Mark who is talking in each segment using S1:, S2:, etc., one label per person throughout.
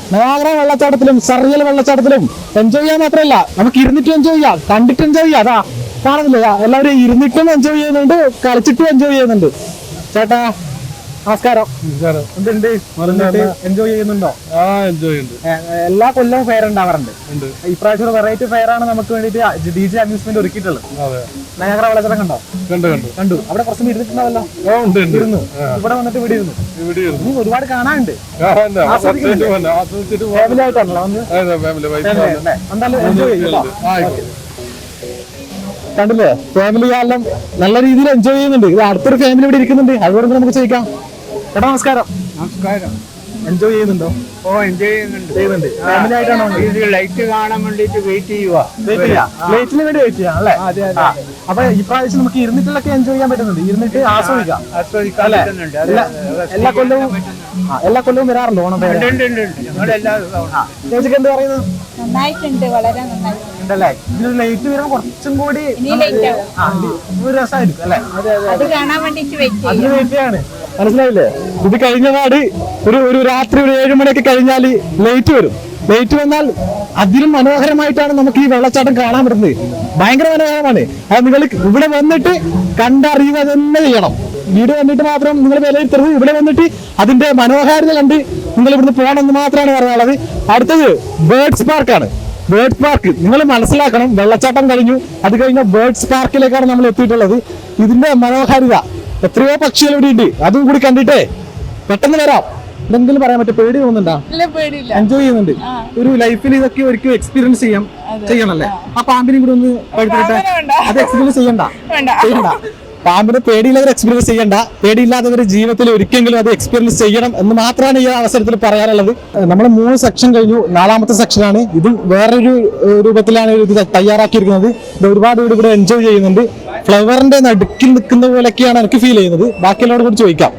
S1: Niagara വെള്ളച്ചാട്ടത്തിലും surreal വെള്ളച്ചാട്ടത്തിലും enjoy ചെയ്യാൻ മാത്രമല്ല നമുക്ക് ഇരുന്നിട്ട് എൻജോയ് ചെയ്യാം, കണ്ടിട്ട് എൻജോയ് ചെയ്യാം. അതാ കാണുന്നില്ല, എല്ലാവരും ഇരുന്നിട്ടും എൻജോയ് ചെയ്യുന്നുണ്ട്, കളിച്ചിട്ടും എൻജോയ് ചെയ്യുന്നുണ്ട്. ചേട്ടാ നമസ്കാരം. എന്തുണ്ട്, എൻജോയ് ചെയ്യുന്നുണ്ടോ? എല്ലാ കൊല്ലവും ഫെയർ ഉണ്ടാവാറുണ്ട്. ഇപ്രാവശ്യം വെറൈറ്റി ഫെയർ ആണ് നമുക്ക് വേണ്ടിട്ട് DJ അമ്യൂസ്മെന്റ് ഒരുക്കിയിട്ടുള്ളത്. നയാഗ്ര വെള്ളച്ചാട്ടം കണ്ടോ? കണ്ടു. അവിടെ കുറച്ച് ഇരുന്നിട്ടുണ്ടാവല്ലോ? ഇരുന്നു. ഇവിടെ വന്നിട്ട് ഇവിടെ ഇരുന്നു. ഇനി ഒരുപാട് കാണാനുണ്ട്. ഫാമിലി ആയിട്ടാണല്ലോ എന്തായാലും എൻജോയ് ചെയ്യും. കണ്ടില്ലേ, ഫാമിലി കാലം നല്ല രീതിയിൽ എൻജോയ് ചെയ്യുന്നുണ്ട്. ഇത് അടുത്തൊരു ഫാമിലി ഇവിടെ ഇരിക്കുന്നുണ്ട്, അതുകൊണ്ട് നമുക്ക് ചോദിക്കാം. ചേട്ടാ നമസ്കാരം. എൻജോയ് ചെയ്യുന്നുണ്ടോ?
S2: എൻജോയ് ചെയ്യുന്നുണ്ട്.
S1: ഫാമിലി ആയിട്ടാണോ?
S2: ലൈറ്റ് കാണാൻ വേണ്ടിട്ട് വെയിറ്റ് ചെയ്യുക.
S1: ലൈറ്റിന് വേണ്ടി വെയിറ്റ് ചെയ്യാം അല്ലേ? അപ്പൊ ഇപ്രാവശ്യം നമുക്ക് ഇരുന്നിട്ടൊക്കെ എൻജോയ് ചെയ്യാൻ പറ്റുന്നുണ്ട്, ഇരുന്നിട്ട് ആസ്വദിക്കാം. എല്ലാ കൊല്ലവും വരാറുണ്ട് ഓണം ഫെയർ? ചേച്ചിക്ക് എന്ത് പറയുന്നു?
S3: നന്നായിട്ടുണ്ട്, വളരെ നന്നായിട്ടുണ്ട്.
S1: ഇതിൽ ലൈറ്റ് വരുമ്പോൾ കുറച്ചും കൂടി ഒരു രസമായിരിക്കും അല്ലെ?
S3: അത് കാണാൻ വേണ്ടിട്ട്
S1: അതിന് വെയിറ്റ് ചെയ്യാണ്. മനസ്സിലായില്ലേ? ഇത് കഴിഞ്ഞ പാട് ഒരു രാത്രി ഒരു 7 മണിയൊക്കെ കഴിഞ്ഞാല് ലൈറ്റ് വരും. ലൈറ്റ് വന്നാൽ അതിലും മനോഹരമായിട്ടാണ് നമുക്ക് ഈ വെള്ളച്ചാട്ടം കാണാൻ പറ്റുന്നത്. ഭയങ്കര മനോഹരമാണ്. അത് നിങ്ങൾ ഇവിടെ വന്നിട്ട് കണ്ടറിയുക തന്നെ ചെയ്യണം. വീട് വന്നിട്ട് മാത്രം നിങ്ങൾ വിലയിരുത്തരുത്. ഇവിടെ വന്നിട്ട് അതിന്റെ മനോഹാരിത കണ്ട് നിങ്ങൾ ഇവിടുന്ന് പോകണമെന്ന് മാത്രമാണ് പറയാനുള്ളത്. അടുത്തത് ബേർഡ്സ് പാർക്കാണ്. ബേർഡ്സ് പാർക്ക് നിങ്ങൾ മനസ്സിലാക്കണം. വെള്ളച്ചാട്ടം കഴിഞ്ഞു, അത് കഴിഞ്ഞ ബേർഡ്സ് പാർക്കിലേക്കാണ് നമ്മൾ എത്തിയിട്ടുള്ളത്. ഇതിന്റെ മനോഹാരിത, എത്രയോ പക്ഷികൾ ഇവിടെ ഉണ്ട്, അതും കൂടി കണ്ടിട്ടേ പെട്ടെന്ന് വരാം. എന്തെങ്കിലും പറയാൻ പറ്റും? പേടി തോന്നുന്നുണ്ടോ? എൻജോയ് ചെയ്യുന്നുണ്ട്. ഒരു ലൈഫിൽ ഇതൊക്കെ ഒരിക്കലും എക്സ്പീരിയൻസ് ചെയ്യണല്ലേ? ആ പാമ്പിനും കൂടി ഒന്ന് എടുത്തിട്ട് അത് എക്സ്പീരിയൻസ് ചെയ്യണ്ട. പാമ്പിനെ പേടിയില്ലാതെ എക്സ്പീരിയൻസ് ചെയ്യണ്ട. പേടിയില്ലാത്തവർ ജീവിതത്തിൽ ഒരിക്കലെങ്കിലും അത് എക്സ്പീരിയൻസ് ചെയ്യണം എന്ന് മാത്രമാണ് ഈ അവസരത്തിൽ പറയാനുള്ളത്. നമ്മൾ 3 സെക്ഷൻ കഴിഞ്ഞു, 4ാമത്തെ സെക്ഷനാണ്. ഇതും വേറൊരു രൂപത്തിലാണ് ഇത് തയ്യാറാക്കിയിരിക്കുന്നത്. ഇത് ഒരുപാട് പേര് ഇവിടെ എൻജോയ് ചെയ്യുന്നുണ്ട്. ഫ്ലവറിന്റെ നടുക്കിൽ നിൽക്കുന്ന പോലെയൊക്കെയാണ് എനിക്ക് ഫീൽ ചെയ്യുന്നത്. ബാക്കിയുള്ളവരോട് കൂടി ചോദിക്കാം.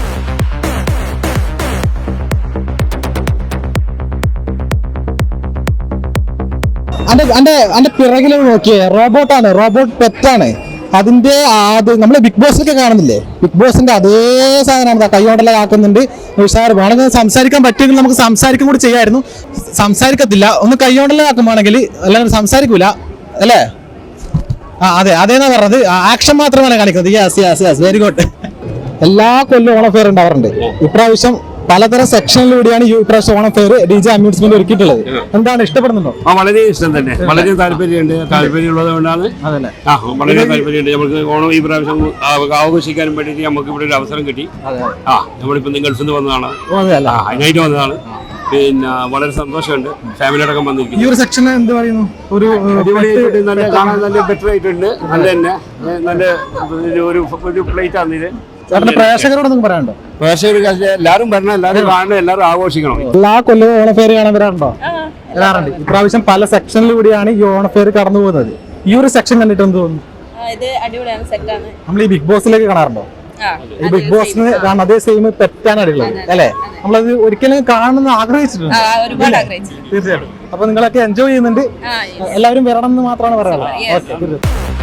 S1: അന്റെ പിറകിൽ നോക്കിയേ, റോബോട്ടാണ്, റോബോട്ട് പെറ്റാണ്. അതിന്റെ നമ്മള് ബിഗ് ബോസിലൊക്കെ കാണുന്നില്ലേ, ബിഗ് ബോസിന്റെ അതേ സാധനമാണ്. കൈകൊണ്ടെല്ലാം ആക്കുന്നുണ്ട്. ഉഷാർ വേണമെങ്കിൽ സംസാരിക്കാൻ പറ്റുമെങ്കിൽ നമുക്ക് സംസാരിക്കും കൂടി ചെയ്യായിരുന്നു. സംസാരിക്കത്തില്ല, ഒന്ന് കൈകൊണ്ടെല്ലാം ആക്കുമ്പോണെങ്കിൽ അല്ലാതെ സംസാരിക്കൂല അല്ലേ? അതെ അതേന്നാ പറഞ്ഞത്. ആക്ഷൻ മാത്രമാണ് കാണിക്കുന്നത്. Yes very good. എല്ലാ കൊല്ലവും ഓണം ഫെയർ ഉണ്ടാവാറുണ്ട്. ഇപ്രാവശ്യം പലതരം സെക്ഷനിലൂടെയാണ് ഈ പ്രാവശ്യം ഓണം ഫെയർ DJ അമ്യൂസ്മെന്റ് ഒരുക്കിയിട്ടുള്ളത്. എന്താണ്, ഇഷ്ടപ്പെടുന്നുണ്ടോ?
S4: വളരെ ഇഷ്ടം തന്നെ, വളരെ താല്പര്യമുള്ളത് കൊണ്ടാണ്. വളരെ താല്പര്യമുണ്ട്. നമുക്ക് ഓണം ഈ പ്രാവശ്യം ആഘോഷിക്കാനും വേണ്ടിയിട്ട് നമുക്ക് ഇവിടെ ഒരു അവസരം കിട്ടി. നമ്മളിപ്പോ ഗൾഫിൽ നിന്ന് വന്നതാണ്, അതിനായിട്ട് വന്നതാണ്. പിന്നെ വളരെ സന്തോഷമുണ്ട്. ഫാമിലി അടക്കം വന്നിരിക്കും.
S1: ഈ ഒരു സെക്ഷൻ എന്ത് പറയുന്നു? ഒരു
S4: നല്ല കാണാൻ നല്ല ബെറ്റർ ആയിട്ടുണ്ട്. നല്ല തന്നെ നല്ല ഒരു പ്ലേറ്റ് ആണ് ഇത്.
S1: പ്രേക്ഷകരോട് നിങ്ങൾക്ക് പറയാനുണ്ടോ?
S4: പ്രേക്ഷകർ എല്ലാവരും വരണം, എല്ലാവരും കാണണം, എല്ലാവരും ആഘോഷിക്കണം.
S1: എല്ലാ കൊല്ലവും ഓണഫെയർ കാണാൻ വരാറുണ്ടോ? വരാറുണ്ട്. ഇപ്രാവശ്യം പല സെക്ഷനിലൂടെയാണ് ഈ ഓണഫെയർ കടന്നു പോകുന്നത്. ഈ ഒരു സെക്ഷൻ കണ്ടിട്ട് എന്ത് തോന്നുന്നു? നമ്മൾ ഈ ബിഗ് ബോസിലേക്ക് കാണാറുണ്ടോ? ഈ ബിഗ് ബോസിന് കാണാൻ അതേ സെയിം തെറ്റാണ് അടിയുള്ളത് അല്ലെ? നമ്മളത് ഒരിക്കലും കാണണമെന്ന് ആഗ്രഹിച്ചിട്ടുണ്ട്. തീർച്ചയായിട്ടും. അപ്പൊ നിങ്ങളൊക്കെ എൻജോയ് ചെയ്യുന്നുണ്ട്. എല്ലാവരും വരണം എന്ന് മാത്രമാണ് പറയാനുള്ളത്.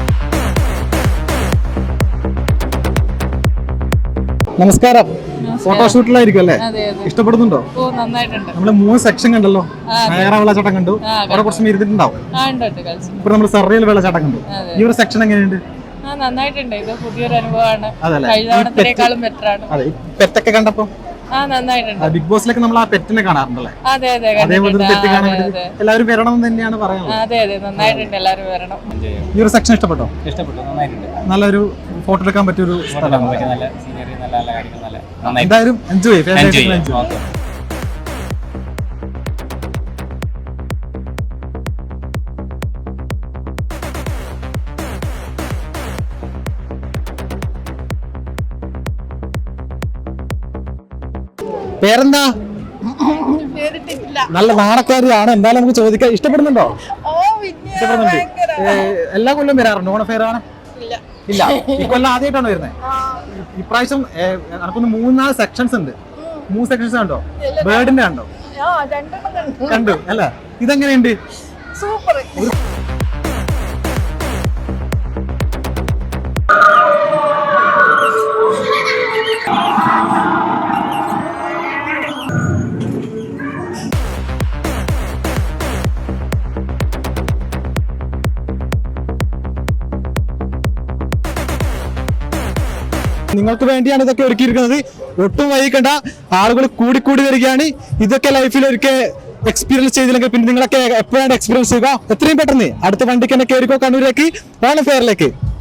S1: നമസ്കാരം. ഫോട്ടോഷൂട്ടിലായിരിക്കും അല്ലേ? ഇഷ്ടപ്പെടുന്നുണ്ടോ? നമ്മള് 3 സെക്ഷൻ കണ്ടല്ലോ. നയാഗ്ര വെള്ളച്ചാട്ടം കണ്ടു, അവിടെ കുറച്ച് ഇരുന്നിട്ടുണ്ടാവും. ഇപ്പൊ നമ്മൾ സർറിയൽ വെള്ളച്ചാട്ടം കണ്ടു. ഈ ഒരു സെക്ഷൻ എങ്ങനെയുണ്ട്?
S3: നന്നായിട്ടുണ്ട്. ഇത് പുതിയൊരു അനുഭവമാണ്. കഴിഞ്ഞ ബെറ്റർ ആണ്.
S1: അതെ, പെറ്റൊക്കെ കണ്ടപ്പോ ബിഗ് ബോസിലൊക്കെ നമ്മൾ ആ പെറ്റിനെ കാണാറുണ്ടല്ലേ? അതേപോലെ പെറ്റ് കാണാൻ വേണ്ടി എല്ലാവരും വരണം എന്ന് തന്നെയാണ് പറയുന്നത്.
S3: നന്നായിട്ടുണ്ട്, എല്ലാവരും വരണം.
S1: ഈ ഒരു സെക്ഷൻ ഇഷ്ടപ്പെട്ടോ?
S2: ഇഷ്ടപ്പെട്ടു, നന്നായിട്ടുണ്ട്.
S1: നല്ലൊരു ഫോട്ടോ എടുക്കാൻ പറ്റിയൊരു സ്ഥലമാണ്.
S2: നല്ല സീനറി, നല്ല കാര്യങ്ങൾ.
S1: എന്തായാലും എൻജോയ് ചെയ്യും. പേരെന്താ? നല്ല നാണക്കാരിയാണ്. എന്തായാലും നമുക്ക് ചോദിക്കാം. ഇഷ്ടപ്പെടുന്നുണ്ടോ? ഇഷ്ടപ്പെടുന്നുണ്ട്. എല്ലാ കൊല്ലം വരാറുണ്ട് ഓണ ഫെയർ ആണ്? ഇല്ല, ഈ കൊല്ലം ആദ്യമായിട്ടാണ് വരുന്നത്. ഇപ്രാവശ്യം നമുക്കൊന്ന് 3-4 സെക്ഷൻസ് ഉണ്ട്. 3 സെക്ഷൻസ് കണ്ടോ? ബേർഡിന്റെ കണ്ടോ? കണ്ടു അല്ല? ഇതെങ്ങനെയുണ്ട്?
S3: സൂപ്പർ.
S1: നിങ്ങൾക്ക് വേണ്ടിയാണ് ഇതൊക്കെ ഒരുക്കിയിരിക്കുന്നത്. ഒട്ടും വൈകിക്കണ്ട, ആളുകൾ കൂടി വരികയാണ്. ഇതൊക്കെ ലൈഫിൽ ഒരിക്കൽ എക്സ്പീരിയൻസ് ചെയ്തില്ലെങ്കിൽ പിന്നെ നിങ്ങളൊക്കെ എപ്പോഴാണ് എക്സ്പീരിയൻസ് ചെയ്യുക? എത്രയും പെട്ടെന്ന് അടുത്ത വണ്ടിക്ക് തന്നെ കയറിക്കോ കണ്ണൂരേക്ക്, ഓണം ഫെയറിലേക്ക്.